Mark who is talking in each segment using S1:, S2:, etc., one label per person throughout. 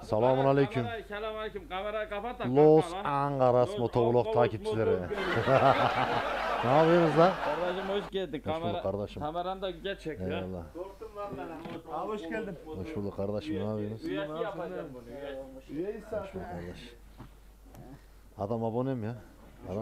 S1: Selamun aleyküm.
S2: Selamünaleyküm. Kamerayı kapat da.
S1: Los
S2: kanka lan.
S1: Angeles
S2: Los
S1: Motovlog
S2: Angeles
S1: takipçileri.
S2: Motovlog.
S1: Ne yapıyorsunuz lan?
S2: Kardeşim hoş geldin.
S1: Hoş bulduk kardeşim.
S2: Kameran da güzel çekiyor.
S1: Eyvallah.
S2: Korktum lan ben.
S3: Abi hoş geldin.
S1: Hoş bulduk kardeşim, ne yapıyorsunuz?
S2: Üyesi yapacağım bunu.
S3: Üyeyiz
S1: Hoş
S3: zaten.
S1: bulduk kardeş. Adam abonem ya. Adam.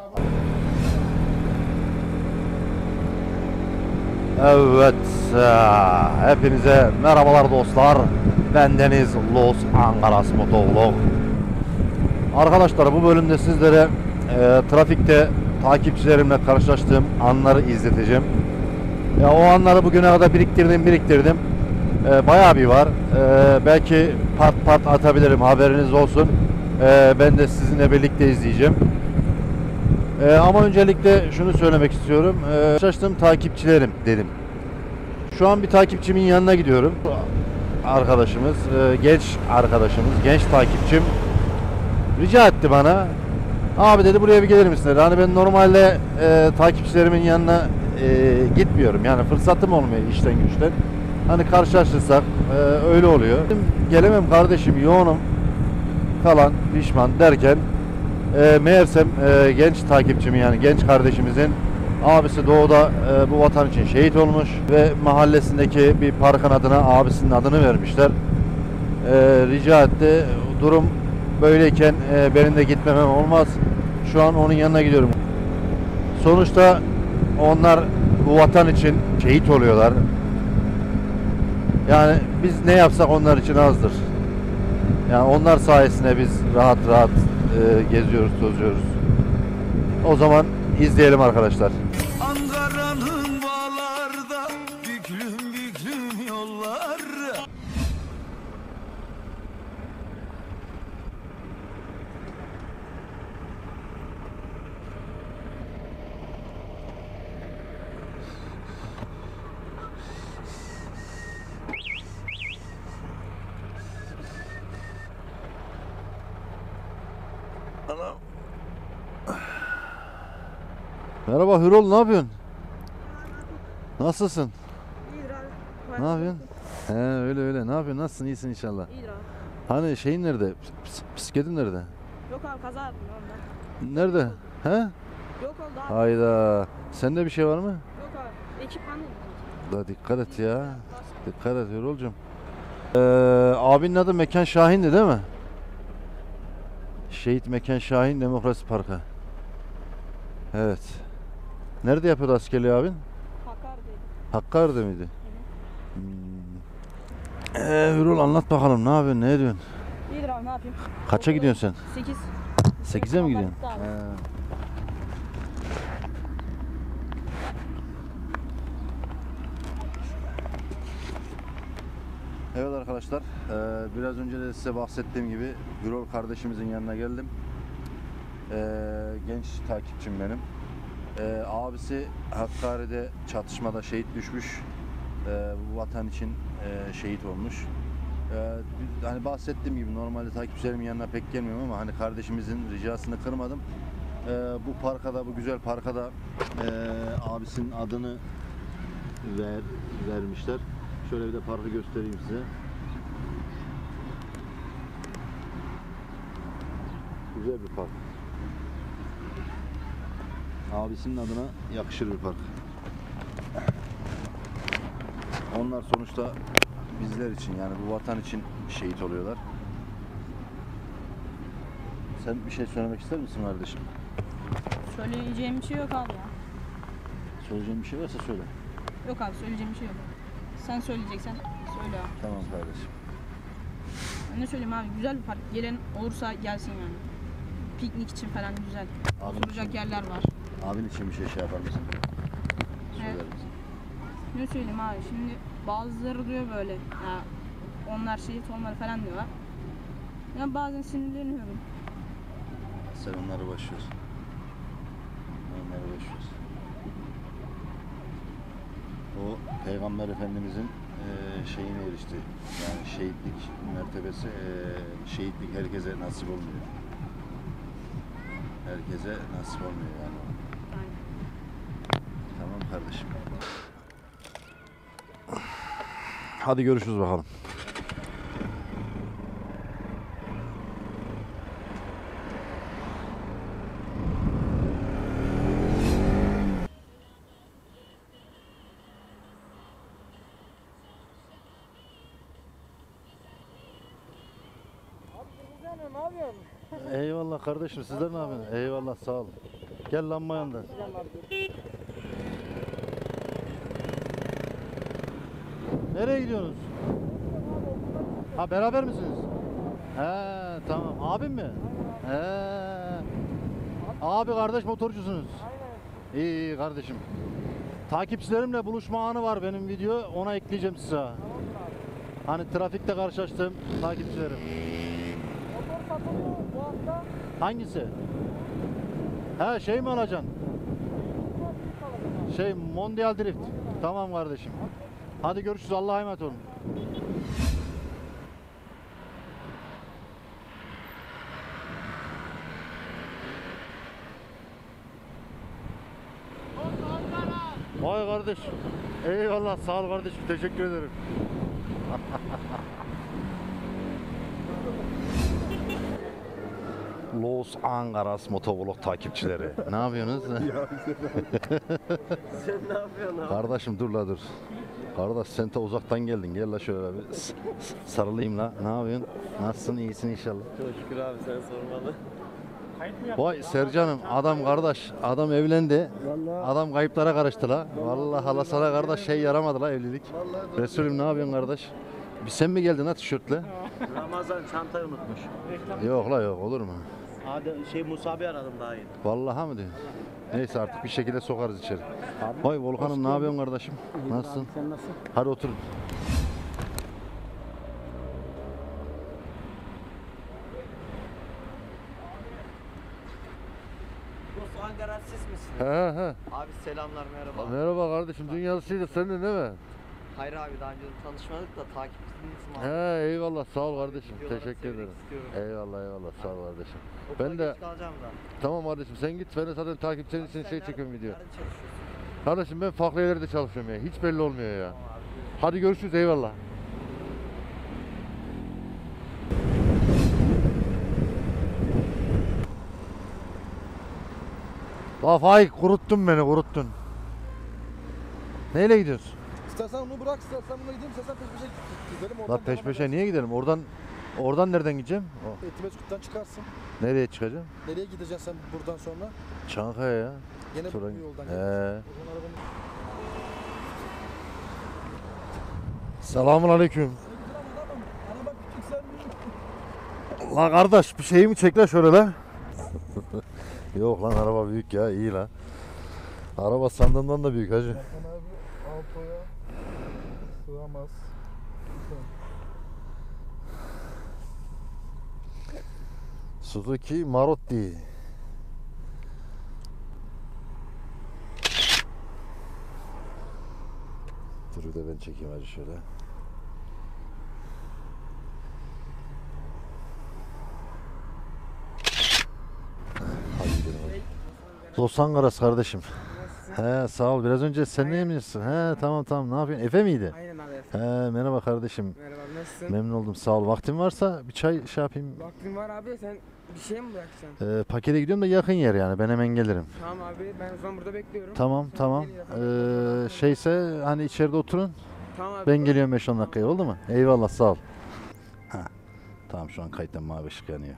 S1: Evet, hepinize merhabalar dostlar. Bendeniz Los Angeles Motovlog. Arkadaşlar, bu bölümde sizlere trafikte takipçilerimle karşılaştığım anları izleteceğim. Ya o anları bugüne kadar biriktirdim. Bayağı bir var. Belki part atabilirim, haberiniz olsun. Ben de sizinle birlikte izleyeceğim. Ama öncelikle şunu söylemek istiyorum. Karşılaştığım takipçilerim dedim. Şu an bir takipçimin yanına gidiyorum. Arkadaşımız, genç arkadaşımız, genç takipçim rica etti bana. Abi dedi, buraya bir gelir misin dedi. Hani ben normalde takipçilerimin yanına gitmiyorum. Yani fırsatım olmuyor işten güçten. Hani karşılaşırsak öyle oluyor. Gelemem kardeşim, yoğunum falan pişman derken meğersem genç takipçimin, yani genç kardeşimizin abisi doğuda bu vatan için şehit olmuş ve mahallesindeki bir parkın adına abisinin adını vermişler. Rica etti. Durum böyleyken benim de gitmemem olmaz. Şu an onun yanına gidiyorum. Sonuçta onlar bu vatan için şehit oluyorlar. Yani biz ne yapsak onlar için azdır. Yani onlar sayesinde biz rahat geziyoruz, tozuyoruz. O zaman izleyelim arkadaşlar.
S4: Ankara'nın bağlarda büklüm yollar.
S1: Merhaba Hürol, ne yapıyorsun? Nasılsın?
S5: İyidir abi.
S1: Ne yapıyorsun? He, öyle. Ne yapıyorsun? Nasılsın? İyisin inşallah.
S5: İyidir abi.
S1: Hani şeyin nerede? Bisikletin nerede?
S5: Yok abi, kaza yaptım ondan.
S1: Nerede? He?
S5: Yok oldu abi.
S1: Hayda. Sende bir şey var mı?
S5: Yok abi. Ekipman değil.
S1: Da dikkat et ya. Dikkat et Hürol'cum. Abinin adı Mekan Şahin'di değil mi? Şehit Mekan Şahin Demokrasi Parkı. Evet. Nerede yapıyordu askerliği abin?
S5: Hakkari değil.
S1: Hakkari'de miydi? Hürol, anlat bakalım, ne yapıyorsun, ne ediyorsun?
S5: İyidir abi, ne yapayım?
S1: Kaça gidiyorsun
S5: 8.
S1: sen? 8'e mi gidiyorsun?
S5: Abi.
S1: Evet arkadaşlar, biraz önce de size bahsettiğim gibi Hürol kardeşimizin yanına geldim. Genç takipçim benim. Abisi Hakkari'de çatışmada şehit düşmüş. Bu vatan için şehit olmuş. Hani bahsettiğim gibi normalde takipçilerimin yanına pek gelmiyorum ama hani kardeşimizin ricasını kırmadım. Bu parkada, bu güzel parkada abisinin adını vermişler. Şöyle bir de parkı göstereyim size. Güzel bir park. Abisinin adına yakışır bir park. Onlar sonuçta bizler için, yani bu vatan için şehit oluyorlar. Sen bir şey söylemek ister misin kardeşim?
S5: Söyleyeceğim bir şey yok abi ya.
S1: Söyleyeceğin bir şey varsa söyle.
S5: Yok abi, söyleyeceğim bir şey yok. Sen söyleyeceksen söyle abi.
S1: Tamam kardeşim.
S5: Ben ne söyleyeyim abi, güzel bir park. Gelen olursa gelsin yani. Piknik için falan güzel.
S1: Abin
S5: Oturacak
S1: için,
S5: yerler var.
S1: abin için bir şey yapar mısın? Söyler misin?
S5: Ne söyleyeyim abi, şimdi bazıları diyor böyle ya, onlar şehit olmalı falan diyorlar. Ya bazen sinirleniyorum.
S1: Sen onları boş ver. Onları boş ver. O Peygamber Efendimizin şeyine erişti. Yani şehitlik mertebesi, şehitlik herkese nasip olmuyor. Herkese nasip olmuyor yani.
S5: Aynen.
S1: Tamam kardeşim. Hadi görüşürüz bakalım.
S3: ne yapıyorsun?
S1: Eyvallah kardeşim, sizler ne yapıyorsunuz? Eyvallah, sağ olun. Gel lamba yanında. Nereye gidiyorsunuz? Ha, beraber misiniz? He, tamam. Abim mi? He. Abi kardeş motorcusunuz. İyi iyi kardeşim. Takipçilerimle buluşma anı var benim video. Ona ekleyeceğim size. Hani trafikte karşılaştığım takipçilerim.
S3: Motor satılıyor bu hafta.
S1: Hangisi? He, şey mi alacaksın? Şey, Mondial Drift. Tamam kardeşim. Hadi görüşürüz. Allah'a emanet olun. Vay kardeş. Eyvallah, sağ ol kardeşim. Teşekkür ederim. Los Angeles Motovlog takipçileri. Ne yapıyorsunuz?
S6: Sen ne yapıyorsun abi?
S1: Kardeşim dur la dur. Kardeş sen de uzaktan geldin. Gel la şöyle bir sarılayım la. Ne yapıyorsun? Nasılsın? İyisin inşallah.
S6: Çok şükür abi, sen sormalı.
S1: Vay Sercan'ım, adam kardeş. Adam evlendi. Adam kayıplara karıştı la. Vallahi hala sana kardeş şey yaramadı la evlilik. Resulüm ne yapıyorsun kardeş? Bir sen mi geldin ha tişörtle?
S6: Ramazan çantayı unutmuş.
S1: Yok la yok, olur mu?
S6: Hadi Musa abi aradım daha iyi.
S1: Vallahi mı diyorsun? Neyse artık bir şekilde sokarız içeri. Vay Volkan'ım ne yapıyorsun kardeşim? Nasılsın?
S3: Sen nasıl?
S1: Hadi oturun.
S6: Musa Ankara siz misiniz?
S1: He he.
S6: Abi selamlar, merhaba.
S1: Merhaba kardeşim, dünyasıydı senin değil mi?
S6: Hayır abi, daha önce tanışmadık da takipçinizim abi.
S1: He eyvallah, sağ ol kardeşim.
S6: Videoları
S1: Teşekkür
S6: sevmek
S1: ederim.
S6: istiyorum.
S1: Eyvallah eyvallah, sağ ol kardeşim.
S6: Okula
S1: Ben de
S6: geç kalacağım da.
S1: tamam kardeşim, sen git, ben de zaten takipçilerin için
S6: Sen
S1: şey
S6: nerede-
S1: çekiyorum video.
S6: Nerede çalışıyorsun?
S1: Kardeşim ben farklı yerlerde çalışıyorum ya, hiç belli olmuyor ya.
S6: Tamam abi.
S1: Hadi görüşürüz, eyvallah. La Faik, kuruttun beni, kuruttun. Neyle gidiyorsun?
S7: İstersen onu bırak, istersen bununla gideyim, istersen peş peşe gidelim.
S1: La peş peşe niye gidelim? Oradan nereden gideceğim?
S7: Etimeskut'tan çıkarsın.
S1: Nereye çıkacağım?
S7: Nereye gideceksin sen buradan sonra?
S1: Çankaya ya.
S7: Yine
S1: Sonra-
S7: bu yoldan
S1: He.
S7: geleceksin.
S1: Selamun aleyküm.
S7: Araba küçük, sen
S1: La kardeş bir şeyimi çek la şöyle la. Yok lan, araba büyük ya, iyi la. Araba sandığımdan da büyük hacı.
S7: Hakan abi Alto'ya sığamaz.
S1: Suzuki Maruti. Dur bir de ben çekeyim hacı şöyle. Hadi gidelim hadi. Los Angeles kardeşim. He sağ ol. Biraz önce sen ne yemişsin? He tamam tamam. Ne yapıyorsun? Efe miydi?
S3: Aynen abi.
S1: He merhaba kardeşim.
S3: Merhaba, nasılsın?
S1: Memnun oldum. Sağ ol. Vaktin varsa bir çay şey yapayım.
S3: Vaktin var abi, sen bir şey mi bırakacaksın?
S1: Pakete gidiyorum da yakın yer yani. Ben hemen gelirim.
S3: Tamam abi, ben o zaman burada bekliyorum.
S1: Tamam
S3: Sen
S1: tamam.
S3: gel yapalım.
S1: Şeyse hani içeride oturun.
S3: Tamam abi.
S1: Ben geliyorum 5-10 dakikaya, oldu mu? Eyvallah sağ ol. Ha. Tamam şu an kayıttan mavi ışık yanıyor.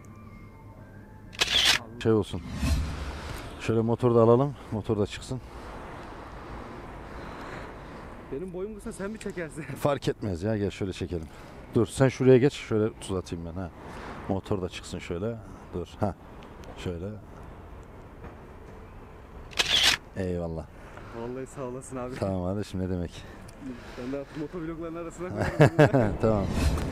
S1: Şey olsun. Şöyle motoru da alalım. Motor da çıksın.
S3: Benim boyum kısa, sen mi çekersin?
S1: Fark etmez ya, gel şöyle çekelim. Dur sen şuraya geç, şöyle tuz atayım ben ha. Motor da çıksın şöyle. Dur ha. Şöyle. Eyvallah.
S3: Vallahi sağ olasın abi.
S1: Tamam kardeşim, ne demek.
S3: Ben de motovlogların arasına koyuyorum.
S1: Tamam.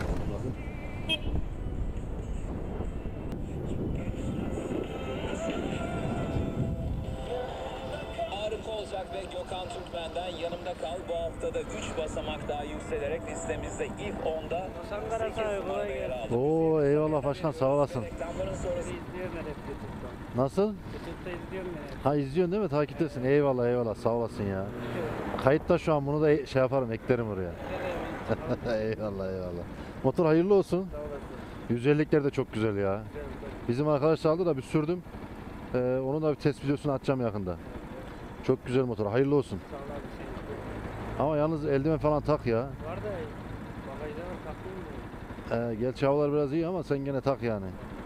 S8: Harika olacak ve Gökhan Türkmen'den yanımda kal. Bu haftada 3 basamak daha yükselerek listemizde ilk 10'da 8 numarada yer aldı.
S1: Oo eyvallah başkan, sağ olasın.
S8: Reklamların sonrası
S3: İzliyorum ben hep YouTube'dan.
S1: Nasıl?
S3: YouTube'da izliyorum ben hep.
S1: Ha izliyorsun değil mi? Takiptesin. Eyvallah eyvallah, sağ olasın ya. Kayıtta şu an, bunu da şey yaparım, eklerim oraya. Eyvallah eyvallah. Motor hayırlı olsun.
S3: Sağ olasın.
S1: 150'likler de çok güzel ya. Bizim arkadaş aldı da bir sürdüm. Onun da bir test videosunu atacağım yakında. Çok güzel motor. Hayırlı olsun.
S3: Sağ ol abi.
S1: Ama yalnız eldiven falan tak ya.
S3: Var da bagajda var, taktım mı?
S1: Gerçi havalar biraz iyi ama sen gene tak yani.